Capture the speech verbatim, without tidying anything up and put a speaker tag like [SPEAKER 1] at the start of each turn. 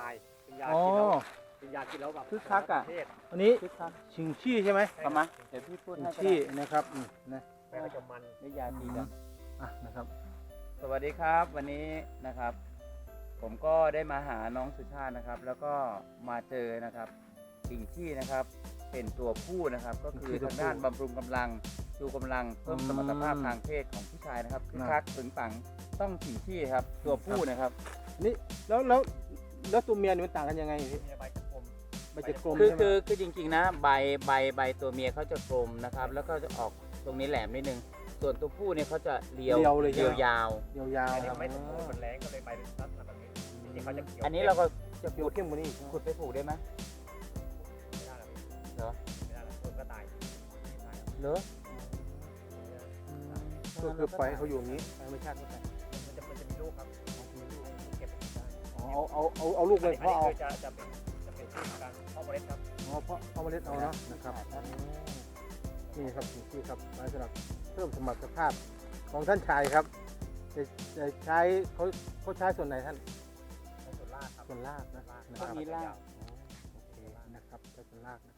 [SPEAKER 1] ายเป็นยากินแล้วเป็นยากินแล้วแบบ
[SPEAKER 2] คึกคักอ่ะ
[SPEAKER 3] อันนี้
[SPEAKER 2] คึกคัก
[SPEAKER 3] ชิงชี่ใช่ไหม
[SPEAKER 2] เอามาเดี๋ยวพี่พูด
[SPEAKER 3] ชิง
[SPEAKER 2] ให้ก็
[SPEAKER 3] ชี่
[SPEAKER 2] ได้
[SPEAKER 3] นะครับอืมนะ
[SPEAKER 1] แม่ก็จะมัน
[SPEAKER 2] ได้ยาตีกัน
[SPEAKER 3] อ่ะนะครับ
[SPEAKER 2] สวัสดีครับวันนี้นะครับ ผมก็ได้มาหาน้องสุชาตินะครับ แล้วก็มาเจอนะครับสิ่งที่นะครับเป็นตัวผู้นะครับ ก็คือทางด้านบำรุงกำลังชูกำลังเพิ่มสมรรถภาพทางเพศของผู้ชายนะครับคือคักถึงปังต้องสิ่งที่ครับตัวผู้นะครับ
[SPEAKER 3] นี่แล้วแล้วแล้วตัวเมียนี่มันต่างกันยังไงพี่
[SPEAKER 1] มีใบกระพรม
[SPEAKER 3] ใบจะกลม
[SPEAKER 2] คือ
[SPEAKER 3] ใช่ไหม
[SPEAKER 2] คือคือจริงๆนะใบใบใบตัวเมียเขาจะกลมนะครับ แล้วก็จะออกตรงนี้แหลมนิดนึงส่วนตัวผู้เนี่ยเขาจะเรียว
[SPEAKER 3] เรียวเลย
[SPEAKER 2] เรียวยาว
[SPEAKER 3] ยาว
[SPEAKER 1] อันนี้
[SPEAKER 3] ๆ
[SPEAKER 1] ไม่สมบูรณ์มันแรงก็เลยใบเป็นลักษณะแบบนี้จริงๆเขาจะเขียว
[SPEAKER 2] อันนี้เราก็จะ
[SPEAKER 3] เขียว
[SPEAKER 2] ขุด
[SPEAKER 3] เข้มกว่านี้อีก
[SPEAKER 2] ขุดไปปลูกได้ไหม
[SPEAKER 1] ไม่ได้แล้ว
[SPEAKER 2] เหรอ
[SPEAKER 1] ไม่ได้แล้วคนก็ตายตาย
[SPEAKER 2] เหรอ
[SPEAKER 3] ก็คือปล่อยให้เขาอยู่อย่างนี้ธรรมชาติก็ไป
[SPEAKER 1] มันจะมันจะมีลูกครับมีลูกเก็บได้
[SPEAKER 3] อ๋อเอาเอาเอาเอาลูกเลยเพราะเอา
[SPEAKER 1] คือจะจะเป็นจะเป็นชื่อการเพาะเมล็ดครับ
[SPEAKER 3] อ๋อเพราะเอาเมล็ดเอาเนาะนะครับนี่ครับชิงชี่ครับไว้สำหรับเพิ่มสมรรถภาพของท่านชายครับจะจะใช้เขาเขาใช้ส่วนไหนท่าน
[SPEAKER 1] ในส่วนล่างครับ
[SPEAKER 3] ส่วนรากนะนะค
[SPEAKER 2] ก็
[SPEAKER 3] รับ
[SPEAKER 2] มีราก
[SPEAKER 3] โอเคนะครับใช้ส่วนรากนะ